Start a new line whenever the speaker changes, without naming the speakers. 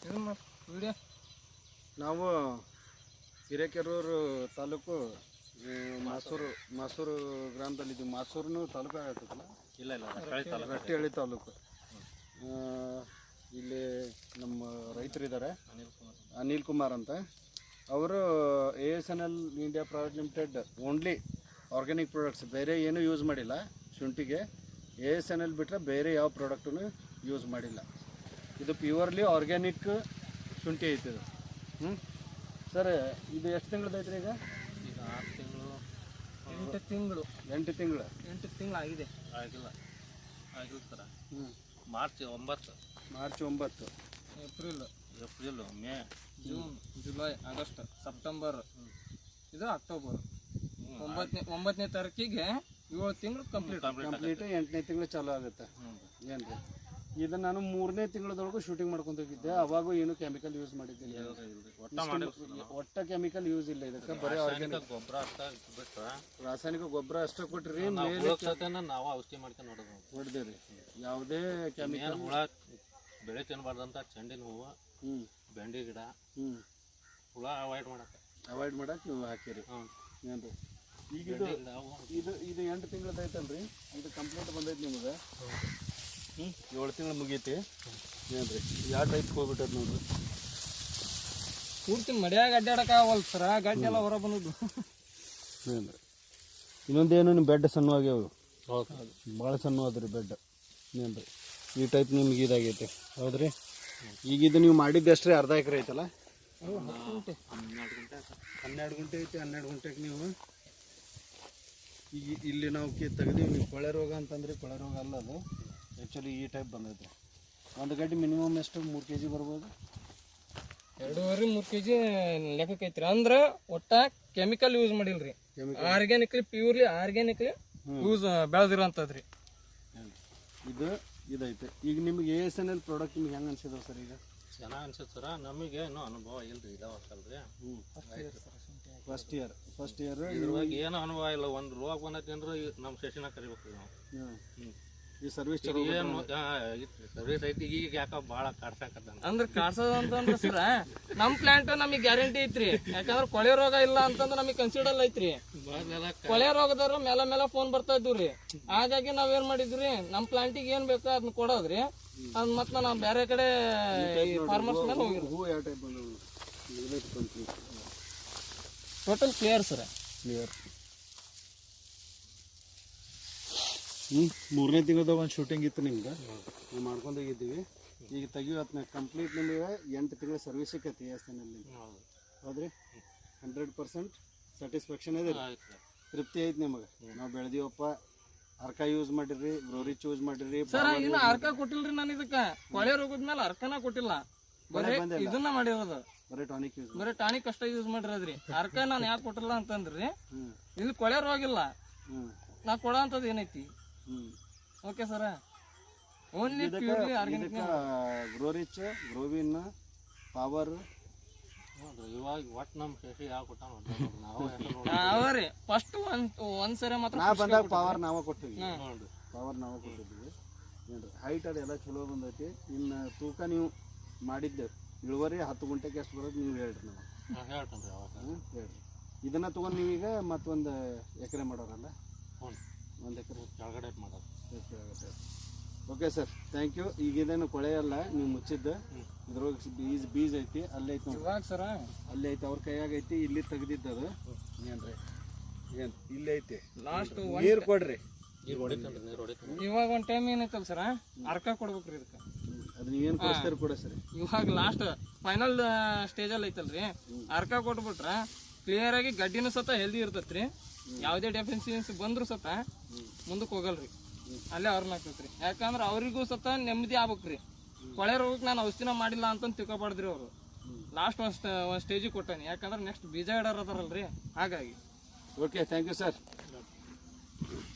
ನಾವು ಹಿರೇಕೆರೂರು ತಾಲೂಕು ಮಾಸೂರು ಗ್ರಾಮದಲ್ಲಿದ್ದೀವಿ. ಮಾಸೂರು ತಾಲೂಕು ಆಗತ್ತಲ್ಲ? ಇಲ್ಲ, ರಟ್ಟಿಹಳ್ಳಿ ತಾಲೂಕು. ಇಲ್ಲಿ ನಮ್ಮ ರೈತರಿದ್ದಾರೆ, ಅನಿಲ್ ಕುಮಾರ್ ಅಂತ. ಅವರು ASNL India private limited only organic products, ಬೇರೆ ಏನೂ ಯೂಸ್ ಮಾಡಿಲ್ಲ. ಶುಂಠಿಗೆ ASNL ಬಿಟ್ಟರೆ ಬೇರೆ ಯಾವ ಪ್ರಾಡಕ್ಟನ್ನು ಯೂಸ್ ಮಾಡಿಲ್ಲ. ಇದು ಪ್ಯೂರ್ಲಿ ಆರ್ಗ್ಯಾನಿಕ್ ಶುಂಠಿ ಐತಿ ಇದು. ಸರ್, ಇದು ಎಷ್ಟು ತಿಂಗಳದ್ದು ಐತ್ರಿ? ಈಗ
6 ತಿಂಗಳು
8 ತಿಂಗಳು
ಆಗಿದೆ. ಆಗಿಲ್ಲ sir. March 9, April, May, June, July, August, September, ಇದು ಅಕ್ಟೋಬರ್. 9ನೇ ತಾರೀಕಿಗೆ 7 ತಿಂಗಳು ಕಂಪ್ಲೀಟ್.
8ನೇ ತಿಂಗಳು ಚಾಲು ಆಗುತ್ತೆ. ಏನು ರೀ, ಇದು ನಾನು 3ನೇ ತಿಂಗಳದೊಳಗೂ ಶೂಟಿಂಗ್ ಮಾಡ್ಕೊಂಡು ಹೋಗಿದ್ದೆ. ಅವಾಗೂ ಏನು ಕೆಮಿಕಲ್ ಯೂಸ್ ಮಾಡಿದ್ದಿಲ್ಲ. ಒಟ್ಟ ಕೆಮಿಕಲ್ ಯೂಸ್ ಇಲ್ಲ ಇದಕ್ಕೆ. ಬರೀ ಆರ್ಗ್ಯಾನಿಕ್
ಗೊಬ್ಬರ
ರಾಸಾಯನಿಕ ಗೊಬ್ಬರ ಅಷ್ಟೇ ಕೊಟ್ಟಿರಿ.
ನಾವು ಔಷಧಿ ಮಾಡ್ಕೊಂಡು
ಹೊಡೆದೇವ್ರಿ. ಯಾವುದೇ ಕೆಮಿಕಲ್
ಹುಳ ಬೆಳೆ ತಿನ್ನಬಾರ್ದಂತ ಚೆಂಡಿನ ಹೂವು, ಬೆಂಡಿ ಗಿಡ, ಹುಳ ಅವಾಯ್ಡ್ ಮಾಡಕ್ಕೆ
ನೀವು ಹಾಕಿರಿ. ಏನು ರೀ, ಈಗ ಇದು 8 ತಿಂಗಳದ್ದು ಐತಲ್ರಿ, ಇದು ಕಂಪ್ಲೀಟ್ ಬಂದೈತಿ ನಿಮಗೆ. 7 ತಿಂಗಳು ಮುಗೀತಿ. ಏನು ರೀ, ಯಾವ ಟೈಪ್ ಹೋಗ್ಬಿಟ್ಟದ ನೋಡ್ರಿ.
ಪೂರ್ತಿ ಮಡ್ಯಾಗ ಅಡ್ಡಾಡಕ್ಕಾಗವಲ್ಲ ಸರ, ಗಡ್ಡೆ ಎಲ್ಲ ಹೊರ ಬಂದದ್ದು.
ಏನು ರೀ, ಇನ್ನೊಂದೇನು ನಿಮ್ಮ ಬೆಡ್ ಸಣ್ಣವಾಗ್ಯಾವ, ಭಾಳ ಸಣ್ಣ ಅದ್ರಿ ಬೆಡ್. ಏನು ರೀ, ಈ ಟೈಪ್ ನಿಮ್ಗೆ ಇದಾಗೈತೆ. ಹೌದ್ರಿ, ಈಗ ಇದು ನೀವು ಮಾಡಿದ್ದು ಎಷ್ಟು ರೀ? ಅರ್ಧ ಎಕರೆ ಐತಲ್ಲ? 12 ಗುಂಟೆ ಐತಿ. 12 ಗುಂಟೆಗೆ ನೀವು ಈಗ ಇಲ್ಲಿ ನಾವು ತೆಗ್ದೀವಿ. ನೀವು ಕೊಳೆ ರೋಗ ಅಂತಂದ್ರೆ ಕೊಳೆ ರೋಗ ಅಲ್ಲ ಅದು, ಆ್ಯಕ್ಚುಲಿ ಈ ಟೈಪ್ ಬಂದೈತೆ. ಒಂದು ಗಡ್ಡೆ ಮಿನಿಮಮ್ ಎಷ್ಟು 3 kg ಬರ್ಬೋದು?
2.5-3 kg ಲೆಕ್ಕಕ್ಕೆ ಐತ್ರಿ. ಅಂದ್ರೆ ಒಟ್ಟ ಕೆಮಿಕಲ್ ಯೂಸ್ ಮಾಡಿಲ್ರಿ, ಆರ್ಗ್ಯಾನಿಕ್ಲಿ ಪ್ಯೂರ್ಲಿ ಆರ್ಗ್ಯಾನಿಕ್ಲಿ ಯೂಸ್ ಬೆಳೆದಿರೋಂಥದ್ರಿ.
ಇದೈತೆ. ಈಗ ನಿಮ್ಗೆ ASNL ಪ್ರಾಡಕ್ಟ್ ನಿಮ್ಗೆ ಹೆಂಗೆ ಅನ್ಸಿದ್ರು ಸರ್? ಈಗ
ಚೆನ್ನಾಗಿ ಅನ್ಸುತ್ತೆ ಸರ. ನಮಗೆ ಏನೋ ಅನುಭವ ಇಲ್ರಿ, ಇದಾವಲ್ರಿ.
ಫಸ್ಟ್ ಇಯರ್
ಇದ್ರೊಳಗೆ ಏನೋ ಅನುಭವ ಇಲ್ಲ. ಒಂದು ರೋಗ ಬಂದೈತಿ ನಮ್ಮ ಸೆಷನ್ ಕರಿಬೇಕು ನಾವು.
ಈ ಸರ್ವಿಸ್
ಸರ್ವಿಸ್ ಐತಿ. ಈಗ ಯಾಕ ಭಾಳ ಕಾಡ್ಸಾಕತ್ತ
ಅಂದ್ರೆ ಕಾಡ್ಸೋದು ಅಂತಂದ್ರೆ ಸರ ನಮ್ ಪ್ಲಾಂಟ್ ನಮಗೆ ಗ್ಯಾರಂಟಿ ಐತ್ರಿ. ಯಾಕಂದ್ರೆ ಕೊಳೆ ರೋಗ ಇಲ್ಲ ಅಂತಂದ್ರೆ ನಮಗೆ ಕನ್ಸಿಡರ್ ಐತ್ರಿ. ಕೊಳೆ ರೋಗದವ್ರು ಮೇಲೆ ಫೋನ್ ಬರ್ತಾ ಇದ್ವಿ. ಹಾಗಾಗಿ ನಾವೇನ್ ಮಾಡಿದ್ವಿ, ನಮ್ ಪ್ಲಾಂಟಿಗೆ ಏನ್ ಬೇಕೋ ಅದನ್ನ ಕೊಡೋದ್ರಿ. ಅದ್ ಮತ್ತ ನಾವು ಬೇರೆ ಕಡೆ ಫಾರ್ಮರ್ಸ್ ಮೇಲೆ ಹೋಗಿರಿ. Total clear sir,
clear. 3ನೇ ತಿಂಗಳದಾಗ ಒಂದು ಶೂಟಿಂಗ್ ಇತ್ತು ನಿಮ್ಗೆ, ನಾವು ಮಾಡ್ಕೊಂಡು ಹೋಗಿದ್ದೀವಿ. ಈಗ ತೆಗಿಯೋತ್ನ ಕಂಪ್ಲೀಟ್ ನಿಮಗೆ 8 ತಿಂಗಳ ಸರ್ವಿಸ್ ಸಿಕ್ಕೈತಿ ASNL. ಹೌದ್ರಿ, 100% ಸ್ಯಾಟಿಸ್ಫ್ಯಾಕ್ಷನ್ ಇದೆ, ತೃಪ್ತಿ ಐತಿ ನಿಮಗೆ. ನಾವು ಬೆಳೆದೀವಪ್ಪ, ಅರ್ಕ ಯೂಸ್ ಮಾಡಿರಿ, ಗ್ರೋರಿಚ್ ಯೂಸ್ ಮಾಡಿರಿ.
ಸರ್ ಇನ್ನು ಅರ್ಕ ಕೊಟ್ಟಿಲ್ರಿ ನಾನು ಇದಕ್ಕೆ. ಕೊಳೆ ರೋಗದ ಮೇಲೆ ಅರ್ಕನ ಕೊಟ್ಟಿಲ್ಲ, ಬರೀ ಇದನ್ನ ಮಾಡಿರೋದು. ಬರೀ ಟಾನಿಕ್ ಅಷ್ಟ ಯೂಸ್ ಮಾಡಿರೋದ್ರಿ. ಅರ್ಕ ನಾನು ಯಾಕೆ ಕೊಟ್ಟಿಲ್ಲ ಅಂತಂದ್ರಿ, ಇಲ್ಲಿ ಕೊಳೆ ರೋಗ ಇಲ್ಲ, ನಾ ಕೊಡೋ ಅಂತದ್ ಏನೈತಿ. Okay sir, only purely organic.
Growrich, Growin, power
ಇವಾಗ ಒಟ್ಟು ನಮ್ಮ ಶಶಿ ಯಾವ ಕೊಟ್ಟ
ಅವರಿ ಫಸ್ಟ್ ಒಂದ್ಸರಿ ಮಾತ್ರ
ನಾ ಬಂದಾಗ ಪವರ್ ನಾವ ಕೊಟ್ಟಿದ್ವಿ. ಹೈಟ್ ಅದೆಲ್ಲ ಚಲೋ ಬಂದೈತಿ. ಇನ್ನು ತೂಕ ನೀವು ಮಾಡಿದ್ದೆ ಇಳುವರಿ 10 ಗುಂಟೆಗೆ ಎಷ್ಟು ಬರೋದು ನೀವು ಹೇಳ್ರಿ. ನಾವು ಹೇಳ್ರಿ. ಇದನ್ನ ತಗೊಂಡು ನೀವೀಗ ಮತ್ತೊಂದು ಎಕರೆ ಮಾಡೋರಲ್ಲ? 1 ಎಕರೆ
ಕೆಳಗಡೆ ಮಾಡೋದು.
Okay sir, thank you. ಈಗ ಇದೇನು ಕೊಳೆ ಅಲ್ಲ ನೀವು ಮುಚ್ಚಿದ್ದು, ಇದ್ರೊಳಗೆ ಬೀಜ ಐತಿ. ಅಲ್ಲೇ ಐತಿ ನೋಡಿ
ಸರ,
ಅಲ್ಲೇ ಐತಿ, ಅವ್ರ ಕೈಯಾಗ ಐತಿ. ಇಲ್ಲಿ ತೆಗ್ದಿದ್ದದು ಏನ್ರಿ, ಏನು ಇಲ್ಲೇ ಐತಿ.
ಲಾಸ್ಟ್
ನೀರು ಕೊಡ್ರಿ.
ಇವಾಗ ಒಂದು ಟೈಮ್ ಏನೈತಲ್ಲ ಸರ, ಅರ್ಕ ಕೊಡ್ಬೇಕ್ರಿ ಇದಕ್ಕೆ.
ಅದು ನೀವೇನು ಕೊಡಿಸ್ತಾರೆ ಕೊಡ ಸರ್.
ಇವಾಗ ಲಾಸ್ಟ್ ಫೈನಲ್ ಸ್ಟೇಜಲ್ಲಿ ಐತಲ್ರಿ, ಅರ್ಕ ಕೊಟ್ಬಿಟ್ರೆ ಕ್ಲಿಯರ್ ಆಗಿ ಗಡ್ಡಿನೂ ಸತ ಹೆಲ್ದಿ ಇರ್ತೈತ್ರಿ. ಯಾವುದೇ ಡೆಫಿಷಿಯನ್ಸಿ ಬಂದ್ರು ಸತ ಮುಂದಕ್ಕೆ ಹೋಗಲ್ರಿ, ಅಲ್ಲೇ ಅವ್ರನ್ನ ಆಗ್ತೈತ್ರಿ. ಯಾಕಂದ್ರೆ ಅವ್ರಿಗೂ ಸತ ನೆಮ್ಮದಿ ಆಗ್ಬೇಕ್ರಿ. ಕೊಳೆ ರೋಗಕ್ಕೆ ನಾನು ಔಷಧಿನ ಮಾಡಿಲ್ಲ ಅಂತ ತಿಳ್ಕೊಬಾರ್ದ್ರಿ. ಅವರು ಲಾಸ್ಟ್ ಒಂದು ಸ್ಟೇಜಿಗೆ ಕೊಟ್ಟಾನೆ. ಯಾಕಂದ್ರೆ ನೆಕ್ಸ್ಟ್ ಬೀಜ ಇಡೋರು ಅದಾರಲ್ರಿ, ಹಾಗಾಗಿ.
Okay, thank you sir.